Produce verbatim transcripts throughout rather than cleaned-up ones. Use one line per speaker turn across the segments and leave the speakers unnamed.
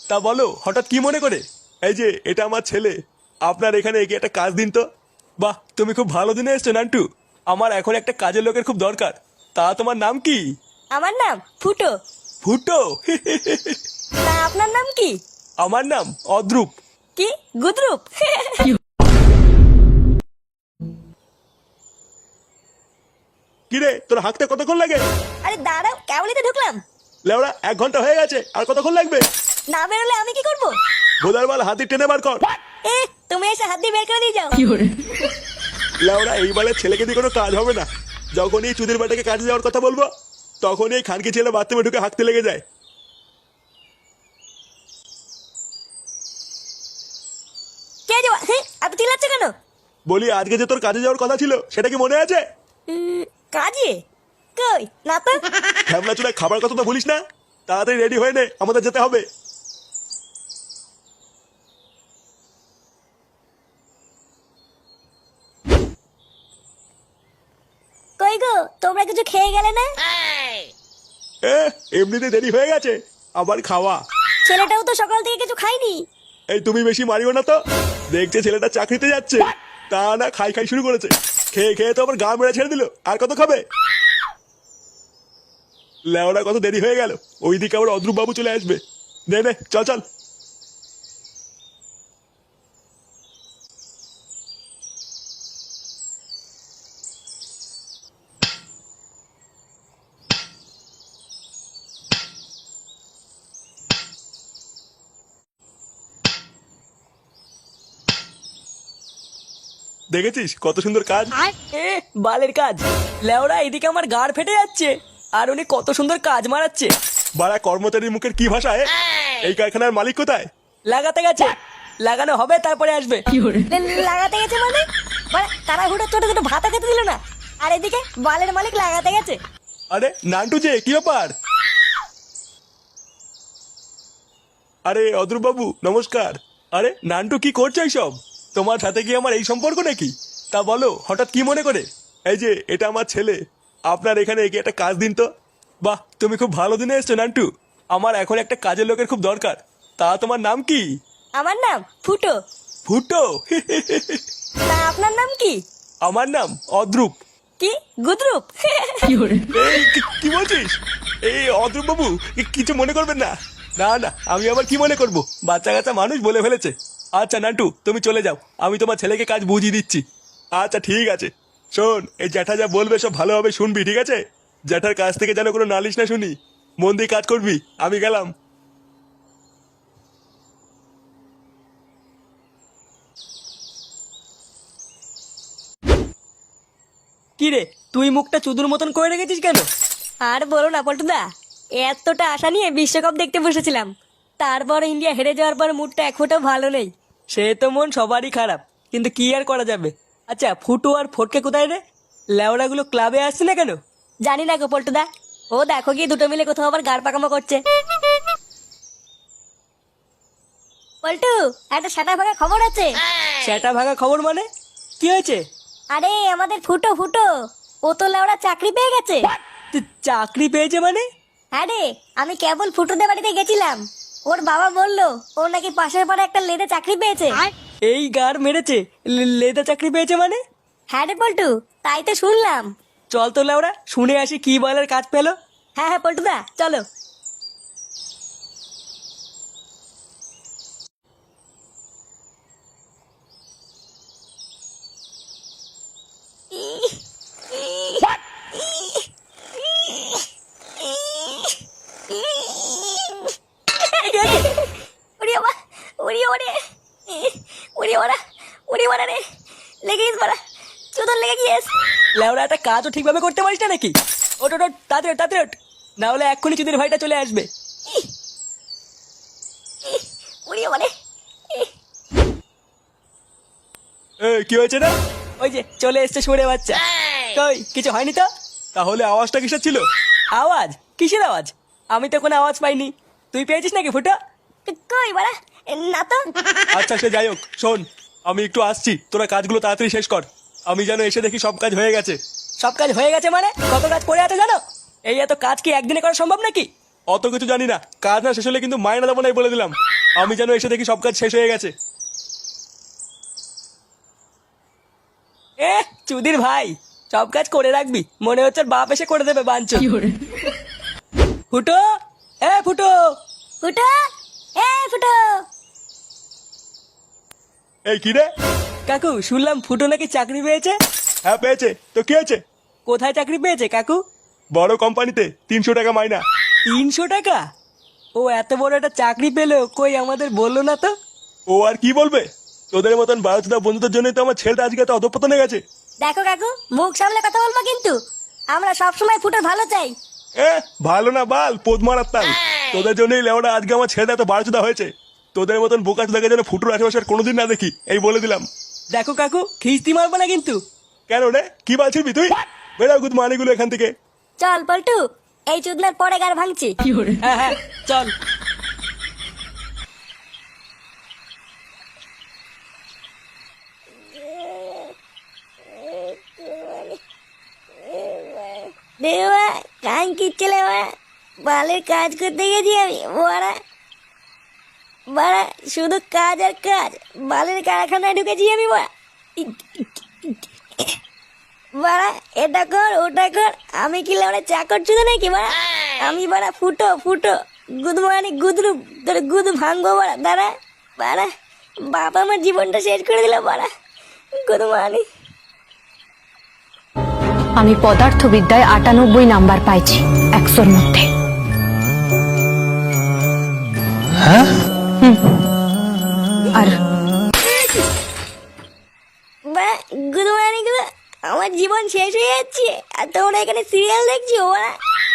তা বলো হঠাৎ কি মনে করে? এই যে এটা আমার ছেলে, আপনার এখানে এগিয়ে একটা কাজ দিন তো। বাহ, তুমি খুব ভালো দিনে এসছো নান্টু। আমার এখন একটা কাজের লোকের খুব দরকার। তা তোমার নাম কি?
আমার নাম ফুটো।
ফুটো?
তা আপনার নাম কি?
আমার নাম অদ্রুপ।
কি গুদরুপ?
কিরে তোর হাঁকতে কতক্ষণ লাগে?
আরে দাঁড়াও, কেবলই তো ঢুকলাম।
লেওড়া এক ঘন্টা হয়ে গেছে, আর কতক্ষণ লাগবে?
না বেরোলে আমি কি করব?
গোদার বাল হাতি টেনে বার কর।
এ তুমি এসে হাত দিয়ে বের করে দিয়ে যাও।
লেওড়া এইবারে ছেলেকে দিয়ে কোনো কাজ হবে না। যখনই চুদির বাটাকে কাজে যাওয়ার কথা বলবো, তখনই এই খানকি ছেলে বাথরুমে ঢুকে হাঁকতে লেগে যায়।
কে যাওয়া? হ্যাঁ, এত চিল্লাচ্ছ কেন?
বলি আজকে যে তোর কাজে যাওয়ার কথা ছিল, সেটা কি মনে আছে?
উম, কাজে? কই না তো।
হ্যামলা চুলায় খাবার কথা তো বলিস না। তাড়াতাড়ি রেডি হয়ে নে, আমাদের যেতে হবে।
কই গো, তোমরা কিছু খেয়ে গেলে না?
এ, এমনিতে দেরি হয়ে গেছে, আবার খাওয়া?
ছেলেটাও তো সকাল থেকে কিছু খায়নি।
এই তুমি বেশি মারিও না তো। দেখছে ছেলেটা চাকরিতে যাচ্ছে, তা না খাই খাই শুরু করেছে। খেয়ে খেয়ে তো আবার গা মেরে ছেড়ে দিল, আর কত খাবে? লেওড়া কত দেরি হয়ে গেল, ওইদিকে আবার অদ্রুপ বাবু চলে আসবে। নে নে চল চল। দেখেছিস কত সুন্দর কাজ?
এ বালের কাজ। লেওরা এদিকে আমার গাড় ফেটে যাচ্ছে, আর উনি কত সুন্দর কাজ মারাচ্ছে।
বাড়া কর্মচারীর মুখের কি ভাষা? এ? এই কারখানার মালিক কোথায়?
লাগাতে গেছে, লাগানো হবে তারপরে আসবে।
লে- লাগাতে গেছে মানে? মানে তারা হুটো ছোট ছোট ভাতা খেতে দিল না, আর এদিকে বালের মালিক লাগাতে গেছে।
আরে নান্টু যে, কি ব্যাপার? আরে অদ্রুপ বাবু নমস্কার। আরে নান্টু কি করছো এইসব? তোমার সাথে কি আমার এই সম্পর্ক নাকি? তা বলো হঠাৎ কি মনে করে? এই যে এটা আমার ছেলে, আপনার এখানে এগিয়ে একটা কাজ দিন তো। বাহ, তুমি খুব ভালো দিনে এসছো নান্টু। আমার এখন একটা কাজের লোকের খুব দরকার। তা তোমার নাম কি?
আমার নাম ফুটো।
ফুটো?
তা আপনার নাম কি?
আমার নাম অদ্রুপ।
কি গুদরুপ?
এই কি- কি বলছিস? এই অদ্রুপ বাবু, কি- কিছু মনে করবেন না। না না, আমি আবার কি মনে করব, বাচ্চা কাচ্চা মানুষ বলে ফেলেছে। আচ্ছা নান্টু তুমি চলে যাও, আমি তোমার ছেলেকে কাজ বুঝিয়ে দিচ্ছি। আচ্ছা ঠিক আছে। শোন, এই জ্যাঠা যা বলবে সব ভালোভাবে শুনবি, ঠিক আছে? জ্যাঠার কাছ থেকে যেন কোনো নালিশ না শুনি। মন দিয়ে কাজ করবি, আমি গেলাম।
কি রে, তুই মুখটা চুদুর মতন করে রেখেছিস কেন?
আর বলো না পল্টুদা, এতটা আশা নিয়ে বিশ্বকাপ দেখতে বসেছিলাম, তারপর ইন্ডিয়া হেরে যাওয়ার পর মুডটা এক ফোঁটা ভালো নেই।
সে তো মন সবারই খারাপ, কিন্তু কি আর করা যাবে। আচ্ছা ফুটু আর ফটকে কোথায় রে? লেওড়াগুলো ক্লাবে আসছে না কেন?
জানি না গো পল্টুদা, ও দেখো গিয়ে দুটো মিলে কোথাও আবার গাড় পাকামো করছে। পল্টু, একটা সাদা ভাঙা খবর আছে।
সেটা ভাঙা খবর মানে? কি হয়েছে?
আরে আমাদের ফুটো ফুটো, ও তো লেওড়া চাকরি পেয়ে গেছে।
তুই চাকরি পেয়েছে মানে?
হ্যাঁ রে, আমি কেবল ফুটোদের বাড়িতে গেছিলাম, ওর বাবা বললো ও নাকি পাশের পাড়ে একটা লেদে চাকরি পেয়েছে।
এই গাড় মেরেছে? লে- লেদা চাকরি পেয়েছে মানে?
হ্যাঁ রে পল্টু, তাই তো শুনলাম।
চল তো লেওড়া শুনে আসি কি বলার কাজ পেলো।
হ্যাঁ হ্যাঁ পল্টুদা চলো। ওরে বাবা, ওরে ওরে, ওরে ওরা, ওরে ওরা রে, লেগে গেছে বাড়া, চোদন লেগে গিয়েছে।
লেওড়া একটা কাজও ঠিকভাবে করতে পারিস না নাকি? ওট ওট ওট, তাড়াতাড়ি ওঠ, তাড়াতাড়ি ওঠ। না হলে এক্ষুনি চুদির ভাইটা চলে আসবে।
ওরে ওরে,
এ কি হয়েছে না?
ওই যে চলে এসছে সুরে বাচ্চা। কই কিছু হয়নি তো?
তাহলে আওয়াজটা কিসের ছিল?
আওয়াজ? কিসের আওয়াজ? আমি তো কোনো আওয়াজ পাইনি। তুই পেয়েছিস নাকি ফুটা?
কই বাড়া, না তো।
আচ্ছা সে যাই হোক, শোন আমি একটু আসছি, তোরা কাজগুলো তাড়াতাড়ি শেষ কর। আমি যেন এসে দেখি সব কাজ হয়ে গেছে।
সব কাজ হয়ে গেছে মানে? কত কাজ করে আছে জানো? এই এত কাজ কি একদিনে করা সম্ভব নাকি?
অত কিছু জানি না, কাজ না শেষ হলে কিন্তু মায়না দেবো নাই বলে দিলাম। আমি যেন এসে দেখি সব কাজ শেষ হয়ে গেছে।
এ চুদির ভাই, সব কাজ করে রাখবি, মনে হচ্ছে ওর বাপ এসে করে দেবে বাঞ্চো। ফুটো, এ ফুটো।
ফুটো, এ ফুটো।
এই কি রে?
কাকু শুনলাম ফুটো নাকি চাকরি পেয়েছে।
হ্যাঁ পেয়েছে, তো কি হয়েছে?
কোথায় চাকরি পেয়েছে কাকু?
বড় কোম্পানিতে, তিনশো টাকা মাইনা।
তিনশো টাকা? ও এত বড় একটা চাকরি পেলো, কই আমাদের বললো না তো।
ও আর কি বলবে, তোদের মতন বারোচোদা বন্ধুদের জন্যই তো আমার ছেলেটা আজকে এত অধঃপতনে গেছে।
দেখো কাকু, মুখ সামলে কথা বলবো কিন্তু। আমরা সবসময় ফুটোর ভালো চাই।
এ ভালো না বাল, পোদ মারার তাল। তোদের জন্যই লেওড়া আজকে আমার ছেলেটা এত বারোচোদা হয়েছে। তোদের মতন বোকা চোদাকে যেন ফুটুর আশেপাশে আর কোনোদিন না দেখি, এই বলে দিলাম।
দেখো কাকু, খিস্তি মারবো না কিন্তু।
কেন রে, কি বলছিস তুই? বেরাও গুদ মানিগুলো এখান থেকে।
চল পল্টু, এই চুদনার পরে গার ভাঙছি।
হ্যাঁ হ্যাঁ চল।
দেওয়া কান কিচ্ছেলে বালের কাজ করতে গেছি আমি। বড়া বাড়া শুধু কাজ আর কাজ, বালের কারখানায় ঢুকেছি আমি। বাড়া বাড়া এটা কর ওটা কর, আমি কি ওরা চাকর চুদে নাকি? বাড়া আমি বাড়া ফুটো ফুটো গুদ মানে গুদরু তোর গুদ ভাঙবো। বাড়া দাঁড়া বাড়া, বাবা আমার জীবনটা শেষ করে দিল। বাড়া গুদ মানে
আমি পদার্থবিদ্যায় আটানব্বই নাম্বার পাইছি একশোর মধ্যে। হুম। আর
বাড়া গুদ মানে গুলো আমার জীবন শেষ হয়ে যাচ্ছে, আর তোমরা এখানে সিরিয়াল দেখছো। বাড়া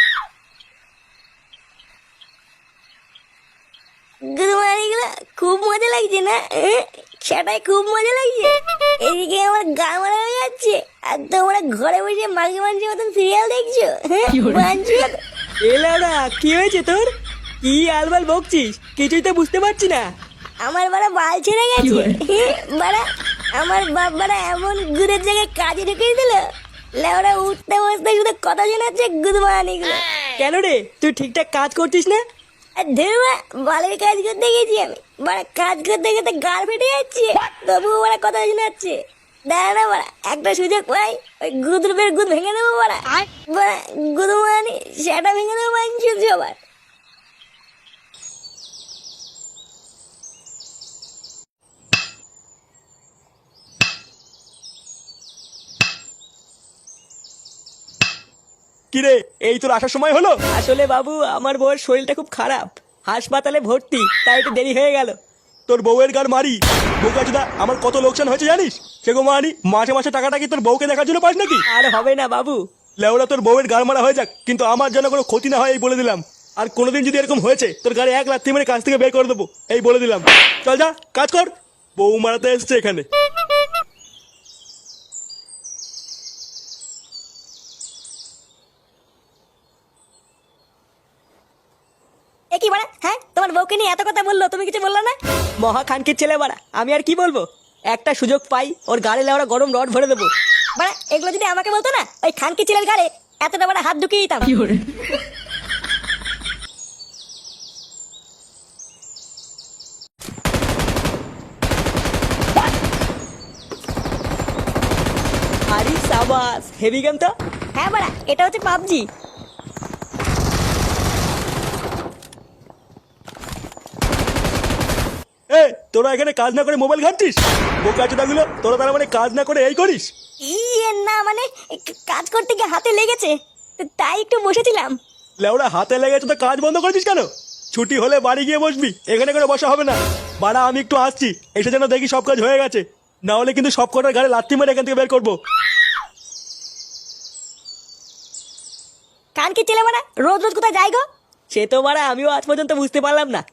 গুদ মানে গুলো খুব মজা লাগছে না? সেটাই খুব মজা লাগছে। এদিকে আমার গা মারা হয়ে যাচ্ছে, আর তোমরা ঘরে বসে মাঝে মাঝে মতন সিরিয়াল দেখছো। বাঞ্চুদ
এলারা কি হয়েছে তোর? কি আলবাল বকছিস? কিছুই তো বুঝতে পারছি না।
আমার বাড়া বাল ছেড়ে গেছে। বাড়া আমার বাপ বাড়া এমন গুদের জায়গায় কাজে ঢুকিয়ে দিল, লেওরা উঠতে বসতে শুধু কথা শোনাচ্ছে গুদ মানে গুলো।
কেন রে, তুই ঠিকঠাক কাজ করছিস না?
আর ধরবা বালের কাজ করতে গেছি আমি, বাড়া কাজ করতে করতে গাল ফেটে যাচ্ছে, তবুও বাড়া কথা শোনাচ্ছে। দাঁড়া না বাড়া, একটা সুযোগ পাই ওই গুদ রূপের গুদ ভেঙে দেবো। বাড়া বাড়া গুদ মানে সেটা ভেঙে দেবো বাঞ্চুদ সবার।
কিরে, এই তোর আসার সময় হলো?
আসলে বাবু আমার বউয়ের শরীরটা খুব খারাপ, হাসপাতালে ভর্তি, তাই একটু দেরি হয়ে গেল।
তোর বউয়ের গার মারি বোকাচোদা, আমার কত লোকসান হয়েছে জানিস? সে গো মারি, মাসে মাসে টাকাটা কি তোর বউকে দেখার জন্য পাস নাকি?
আর হবে না বাবু।
লেওরা তোর বউয়ের গার মারা হয়ে যাক, কিন্তু আমার যেন কোনো ক্ষতি না হয় এই বলে দিলাম। আর কোনোদিন যদি এরকম হয়েছে, তোর গাড়ি এক লাথি মেরে কাজ থেকে বের করে দেবো, এই বলে দিলাম। চল যা কাজ কর, বউ মারাতে এসছে এখানে।
এ কি বাড়া, হ্যাঁ তোমার বউকে নিয়ে এত কথা বললো, তুমি কিছু বললো না?
মহা খানকির ছেলে বাড়া, আমি আর কি বলবো? একটা সুযোগ পাই ওর গাড়ি লেওরা গরম রড ভরে দেবো।
বাড়া এগুলো যদি আমাকে বলতো না, ওই খানকি ছেলের গাড়ে এতটা বড় হাত ঢুকিয়ে দিতাম।
আরে সাবাস, হেভি গেম তো।
হ্যাঁ বাড়া, এটা হচ্ছে পাবজি।
এ তোরা এখানে কাজ না করে মোবাইল ঘাঁটছিস? বোকাচোদা গুলো, তোরা তার মানে কাজ না করে এই করিস?
ইয়ে না মানে ক- কাজ করতে গিয়ে হাতে লেগেছে, তাই একটু বসেছিলাম।
লেওরা হাতে লেগেছে তো কাজ বন্ধ করেছিস কেন? ছুটি হলে বাড়ি গিয়ে বসবি, এখানে করে বসা হবে না। বাড়া আমি একটু আসছি, এসে যেন দেখি সব কাজ হয়ে গেছে, না হলে কিন্তু সব কটার গাড়ি লাথি মেরে এখান থেকে বের করবো।
খানকি ছেলে বাড়া রোজ রোজ কোথায় যাই গো?
সে তো বাড়া আমিও আজ পর্যন্ত বুঝতে পারলাম না।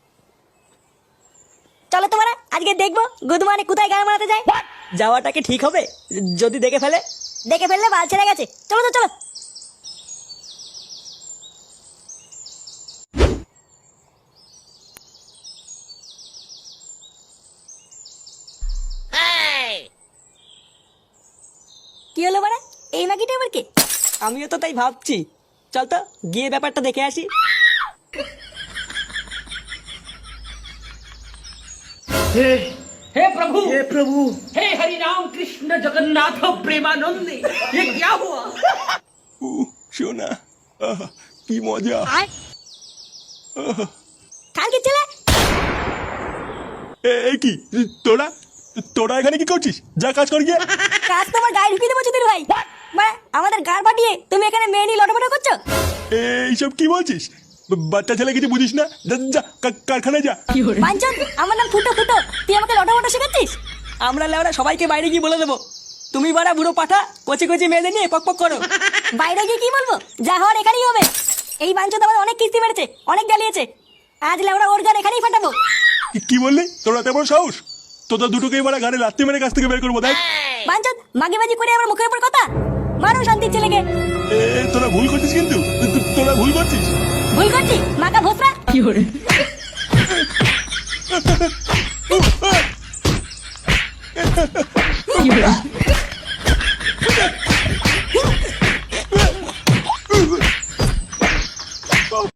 চলো তো বাড়া আজকে দেখবো গুদমানে কোথায় গান মারাতে যায়।
যাওয়াটা কি ঠিক হবে যদি দেখে ফেলে?
দেখে ফেললে বাল ছেড়ে গেছে, চলো তো চলো। কি হলো বাড়া, এই মাগিটা আবার কে?
আমিও তো তাই ভাবছি। চল তো গিয়ে ব্যাপারটা দেখে আসি।
हे हे प्रभु हे प्रभु हे हरि राम कृष्ण जगन्नाथ प्रेमानंद ये क्या हुआ?
উহ, সোনা আহ, কি মজা।
কালকে ছেলে
এ এ কি তোরা তোরা এখানে কি করছিস? যা কাজ কর গিয়ে।
কাজ তোমার গায়ে ঢুকিয়ে দেবো চুদির ভাই। মানে আমাদের গাড় পাঠিয়ে তুমি এখানে মেয়ে নিয়ে লটপট করছো?
এইসব কি বলছিস? বা- বাচ্চা ছেলে কিছু বুঝিস না? যা, যা কা- কারখানায় যা।
বাঞ্চন, আমার নাম ফুটো ফুটো, তুই আমাকে লটপট শেখাচ্ছিস?
আমরা লেওরা সবাইকে বাইরে গিয়ে বলে দেবো তুমি বাড়া বুড়ো পাঠা কচি কচি মেয়েদের নিয়ে পক পক করো।
বাইরে গিয়ে কি বলবো? যা হওয়ার এখানেই হবে। এই বাঞ্চন আমাদের অনেক কিস্তি মেরেছে, অনেক জ্বালিয়েছে। আজ লেওরা ওর গান এখানেই ফাটাবো।
কি- কি বললি? তোরা এত বড় সাহস? তোদের দুটোকেই মারা গাড়ি লাত্তি মেরে কাছ থেকে বের করবো। দেখ
বাঞ্চন, মাগিবাজি করে আমার মুখের উপর কথা। মারো শান্তির ছেলেকে।
এ তোরা ভুল করছিস, কিন্তু তো- তো- তোরা ভুল করছিস।
ভুল করছি মাকা ভোসরা।
উহ, আহ।